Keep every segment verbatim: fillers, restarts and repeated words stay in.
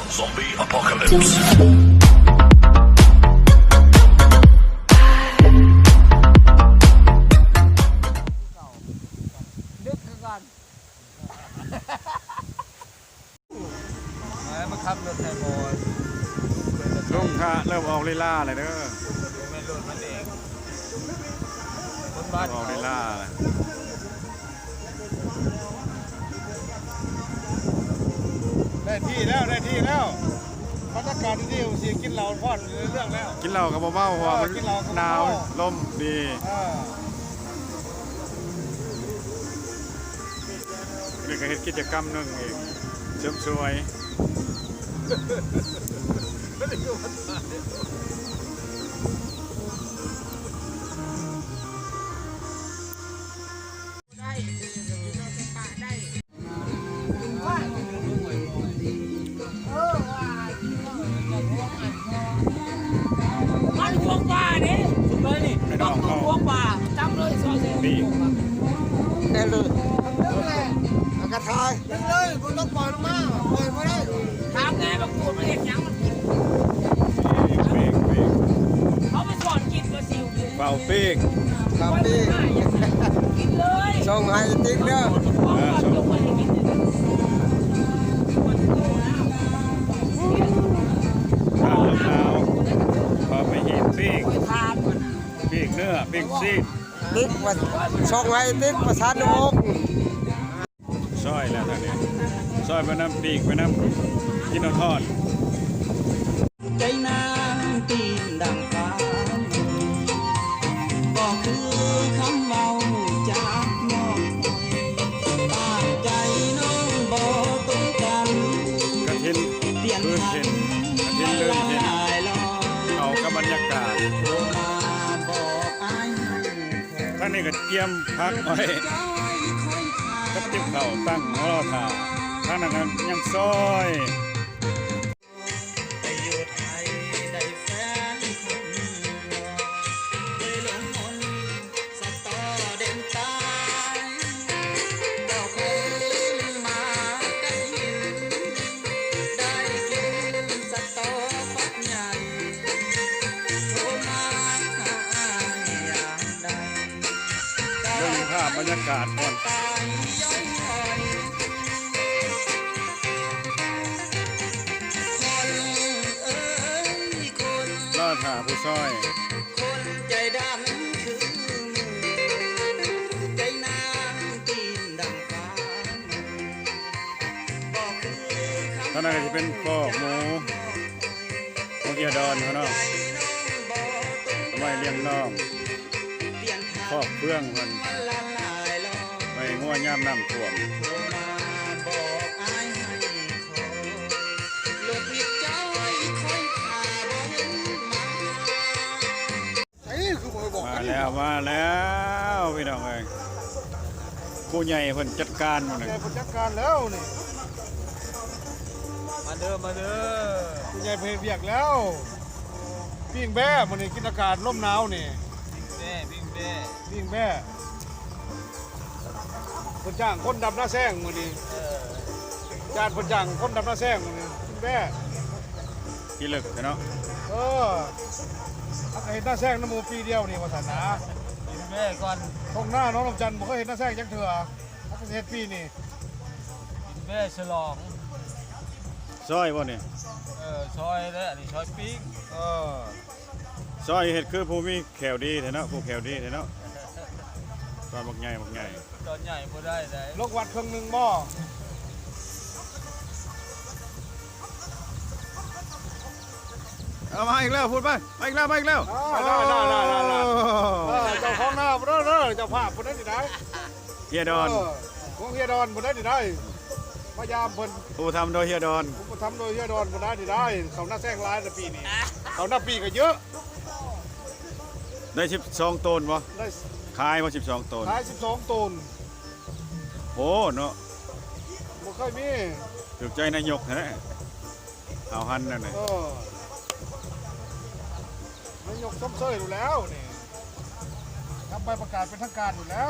Zombie apocalypse. ดึกก่อนมาขับรถไทยบอลลุงค่ะเริ่มออกลีลาเลยเด้อไม่รถมันเองคนบ้านออกลีลาเลยได้ที่แล้วได้ที่แล้วบรรยากาศที่เสียงกินเหล้าพอดเรื่องแล้วกินเหล้ากับเบาๆหัวมันกินเหล้ากับหเบานาวลมดีอ่านี่ก็เฮ็ดกิจกรรมหนึงเองเสริมสวยมันพวงป่าเนี่ยสุดเลยนี่ไม่ต้องเข้าพวงป่าจำเลยซอยเซนดีได้เลยกระทายได้เลยคุณต้องปล่อยลงมาปล่อยไม่ได้ถามไงบางคนมันเห็นยังมันกินเปีกเปีกเขาไม่สอนกินก็สิวเป่าปีกครับไม่พี่ได้กินเลยส่งให้ติ๊กเด้อพวงป่าจงไปให้กินเลยคนโตแล้วข้าวขาวพอไปเห็นปีกไปทานมันปีกเนื้อปีกซีดติ๊กมาส่งให้ติ๊กประสานมุกซอยแล้วท่านนี้ซอยไปน้ำปีกไปน้ำกินเอาทอดใจนางตีนดังฟ้าก็คือคำเมาจากน้องตามใจน้องบอกตรงกันกระทินเปลี่ยนลื่นพัเห็นนกระทินลื่นเห็นลายลอยเอากับบรรยากาศโทรมาบอกอายให้คอยท่านนี้ก็เตรียมพักไว้ใจคอยทากับติ๊บเข่าตั้งรอท่าท่านนั้นก็ยังซอยไปอยู่ไทยได้แฟนคนหนึ่งเลยหลงมนต์สตอเด่นตายก็คงมากันหินได้กินสตอฟักใหญ่โทรมาหาอย่างใดเรื่องภาพบรรยากาศก่อนตายย้อนคอยคนเอ้ยคนรอท่าผู้ซอยคนใจดำคือมือใจนางตีนดังฟ้าบอกคือคำท่านนั้นก็จะเป็นคอกหมูพวกเกียดอนเขาเนาะเอาไว้เลี้ยงน้องคอกเพื่องมันละลายลอยไปงัวย่ำน้ำท่วมโทรมาบอกอายให้คอยโลดผิดใจคอยขาบ่เห็นมาไอ้คือบ่บอกมาแล้วมาแล้วพี่น้องเอ้ยผู้ใหญ่เพิ่นจัดการหมดเลยใหญ่ผู้จัดการแล้วนี่มาเด้อมาเด้อผู้ใหญ่เพลเบียกแล้วปิ้งแบ้มันนี่กินอากาศลมหนาวนี่แม่วิ่งแม่ปิ้งแบ้คนจ้างคนดำหน้าแซงมันนี่เออจานคนจ้างคนดำหน้าแซงมันนี่ปิ้งแบ้กี่ลึกเนาะเออถ้าเห็นหน้าแซงน้ำมูปีเดียวนี่ว่าสันนะวิ่งแม่ก่อนตรงหน้าน้องลำจันทร์บ่เคยเห็นหน้าแซงจังเถื่อถ้าเห็นปีนี่วิ่งแม่ฉลองซอยบ่นี่เออซอยแล้วอันนี้ซอยปิ้งเออซอยเฮ็ดคือผู้มีแขวดีแท้เนาะผู้แขวดีแท้เนาะซอยบักใหญ่บักใหญ่ตอนใหญ่บ่ได้ได้ลกวัดเครื่องหนึ่งบ่เอามาอีกแล้วพูดไปมาอีกแล้วมาอีกแล้วได้ได้ได้ได้ได้เออเจ้าของหน้าบ่ได้เด้อเจ้าภาพบ่ได้ดิได้เฮียดอนเออของเฮียดอนบ่ได้ดิได้พยายามเพิ่นผู้ทำโดยเฮียดอนผมทำโดยเฮียดอนบ่ได้ดิได้เขาหน้าแซงหลายแต่ปีนี้เขาหน้าปีก็เยอะได้สิบสองตนบ่ได้ขายมาสิบสองตนขายสิบสองตนโอ้เนาะบ่เคยมีถูกใจนายกแท้เอาหันนั่นน่ะเออ นายกส้มเซยอยู่แล้วนี่ทำใบประกาศเป็นทางการอยู่แล้ว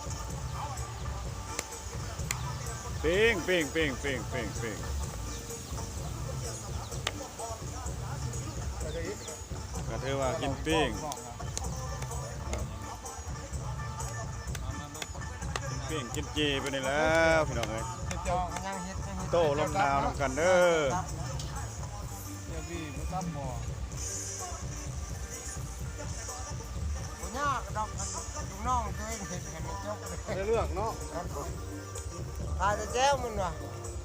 เป้งเป้งเป้งเป้งเป้งเป้งถือว่ากินปิ้งกินปิ้งกินจีไปนี่แล้วพี่น้องเอ้ยจองยังเฮ็ดยังเฮ็ดโต้ลมหนาวนำกันเด้อเดี๋ยวพี่มาตั้มหมอบ่ยากดอกลูกน้องตัวเองเฮ็ดกันจบได้เรื่องเนาะทายแต่แจ้วมันว่ะ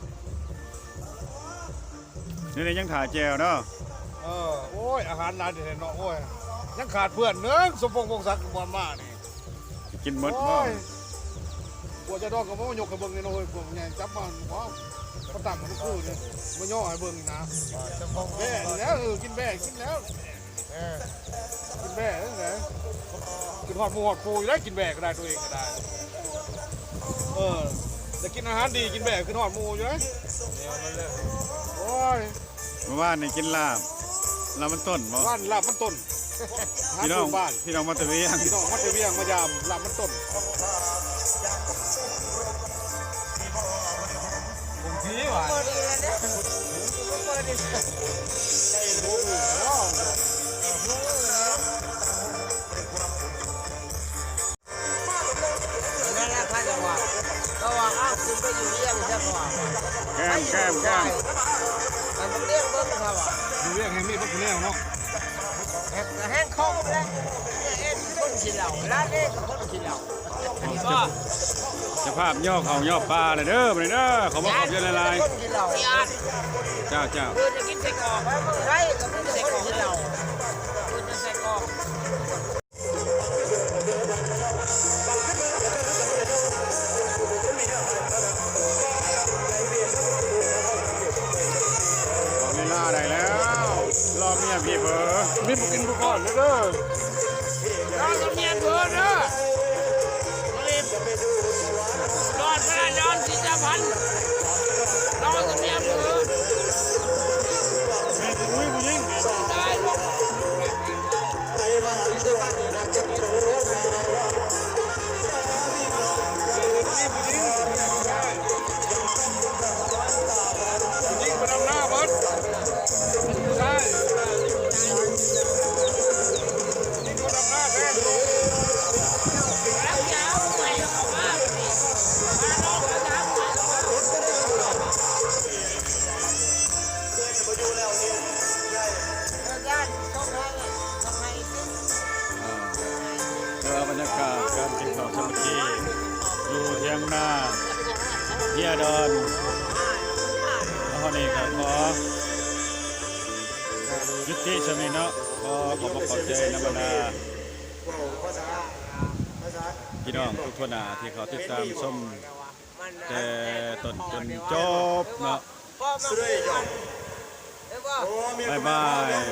นี่นี่ยังถ่ายแจวเนาะเออโอ้ยอาหารร้านเด็ดเนาะโอ้ยยังขาดเพื่อนเนื้อสมพงษ์พงศักดิ์บอลมานี่กินหมดบ่โอ้ยกลัวจะดอกกับมันยกกับเบิ้งนี่นะเว้ยกลัวมันใหญ่จับมันว้าวกระตังมันคู่นี่มันย่อให้เบิ้งนี่นะจะพงแบ่แล้วเออกินแบ่กินแล้วเออกินแบ่ตั้งแต่กินหอดหมูหอดปูอยู่ได้กินแบ่ก็ได้ตัวเองก็ได้เออแต่กินอาหารดีกินแบ่กินหอดหมูอยู่ได้โอ้ยเมื่อวานนี่กินลาบลาบมันต้นบ่บ้านลาบมันต้นหาพี่น้องปลูกบ้านพี่น้องมาตะเวียงพี่น้องมัดเวียงมายามลาบมันต้นผมพีว่ะเปิดอีกแล้วเนี่ยเปิดอีกนั่นแหละค่ะจังหวะก็ว่าอ้าวคุณไปอยู่เลี้ยงใช่ป่ะแก้มแก้มแก้มมันเลี้ยงเบิ้งครับว่ะดูเวียงแห่งนี้พวกคุณแน่เนาะแห้งแห้งคล่องแล้วเอ็นคนกินเหล้าร้านเอ็นคนกินเหล้าก็เจะภาพย่อเขาย่อปลาเลยเด้อมาเลยเด้อเขามาขอบเยอะละลายคนกินเหล้าพี่อาร์ตเจ้าเจ้าเพื่อนจะกินไส้กรอกไปเมืองไทยก็ไม่ได้คนกินเหล้าเพื่อนจะไส้กรอกขอเวลาได้แล้วรอเมียพี่เบอร์มีบุกินบุก่อนนะเด้อรอสำเนียงเพื่อนเด้อรีบรอดพระนอนสิจะพันรอสำเนียงเพื่อนอุ้ยผู้หญิงได้หรอกผู้หญิงมาดำหน้าเบิดผู้ชายผู้หญิงมาดำหน้าแทนแล้วยาวไปเอามามาลองกันทำมาญาติต้องให้ต้องให้กินเพื่อบรรยากาศการกินข้าวสามัคคีอยู่เทียงนาเฮียดอนแล้วคนนี้ก็ขอยุติสมิเนาะขอขอบพระขอบใจนบรรดาพี่น้องทุกคนนะที่เขาติดตามชมแต่ต้นจนจบเนาะพ่อมาเอ้ยว่าบ๊ายบาย